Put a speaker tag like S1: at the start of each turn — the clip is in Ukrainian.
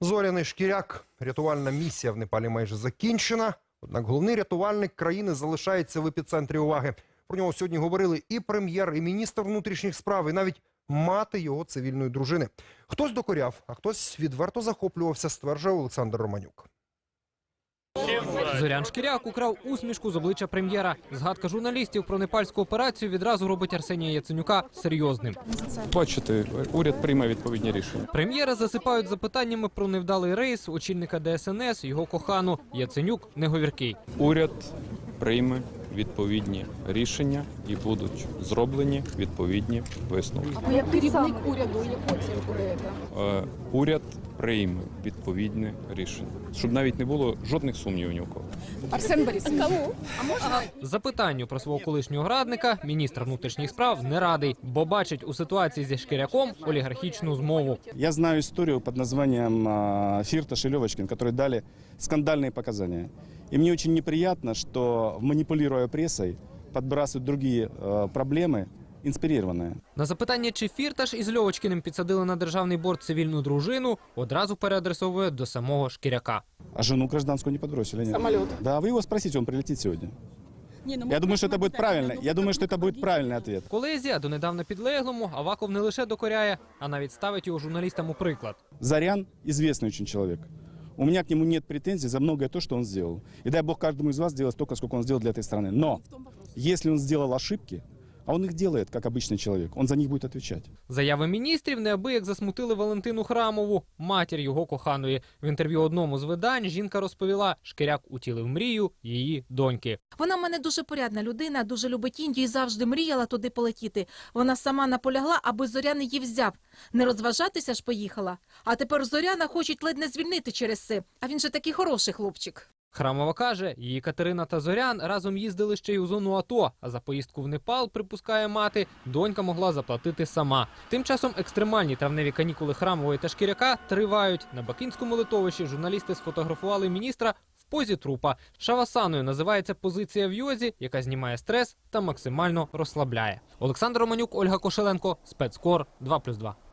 S1: Зоряний Шкіряк. Рятувальна місія в Непалі майже закінчена. Однак головний рятувальник країни залишається в епіцентрі уваги. Про нього сьогодні говорили і прем'єр, і міністр внутрішніх справ, і навіть мати його цивільної дружини. Хтось докоряв, а хтось відверто захоплювався, стверджує Олександр Романюк.
S2: Зорян Шкіряк украв усмішку з обличчя прем'єра. Згадка журналістів про непальську операцію відразу робить Арсенія Яценюка серйозним.
S3: Бачите, уряд прийме відповідні рішення.
S2: Прем'єра засипають запитаннями про невдалий рейс, очільника ДСНС, його кохану. Яценюк не говіркий.
S3: Уряд прийме відповідні рішення і будуть зроблені відповідні висновки.
S4: А як керівник уряду, яку оцінку даєте?
S3: Уряд прийме відповідне рішення, щоб навіть не було жодних сумнівів ні у кого.
S4: Арсен Борисович. Кому? А можна?
S2: Запитанню про свого колишнього радника міністр внутрішніх справ не радий, бо бачить у ситуації зі Шкіряком олігархічну змову.
S5: Я знаю историю под названием Фирташ и Левочкин, которые дали скандальные показания. И мне очень неприятно, что, манипулируя прессой, подбрасывают другие проблемы, инспирированные.
S2: На запитання, чи Фірташ із Льовочкіним підсадили на державний борт цивільну дружину, одразу переадресовує до самого Шкіряка.
S5: А жену гражданскую не подбросили, нет?
S4: Самолет.
S5: Да, вы его спросите, он прилетит сегодня. Я думаю, что это будет правильно. Я думаю, что это будет правильный ответ.
S2: Колезі, а донедавна підлеглому, Аваков не лише докоряє, а навіть ставить його журналістам у приклад.
S5: Зарян известный очень человек. У меня к нему нет претензий за многое то, что он сделал. И дай Бог каждому из вас сделать столько, сколько он сделал для этой страны. Но если он сделал ошибки, а он их делает, как обычный человек, он за них будет отвечать.
S2: Заяви міністрів неабияк засмутили Валентину Храмову, матір його коханої. В інтерв'ю одному з видань жінка розповіла, Шкіряк утілив мрію її доньки.
S6: Вона в мене дуже порядна людина, дуже любить Індію і завжди мріяла туди полетіти. Вона сама наполягла, аби Зорян її взяв. Не розважатися ж поїхала. А тепер Зоряна хочуть ледь не звільнити через це. А він же такий хороший хлопчик.
S2: Храмова каже, її Катерина та Зорян разом їздили ще й у зону АТО, а за поїздку в Непал, припускає мати, донька могла заплатити сама. Тим часом екстремальні травневі канікули Храмової та Шкіряка тривають. На Бакинському литовищі журналісти сфотографували міністра в позі трупа. Шавасаною називається позиція в йозі, яка знімає стрес та максимально розслабляє. Олександр Романюк, Ольга Кошеленко, Спецкор 2+2.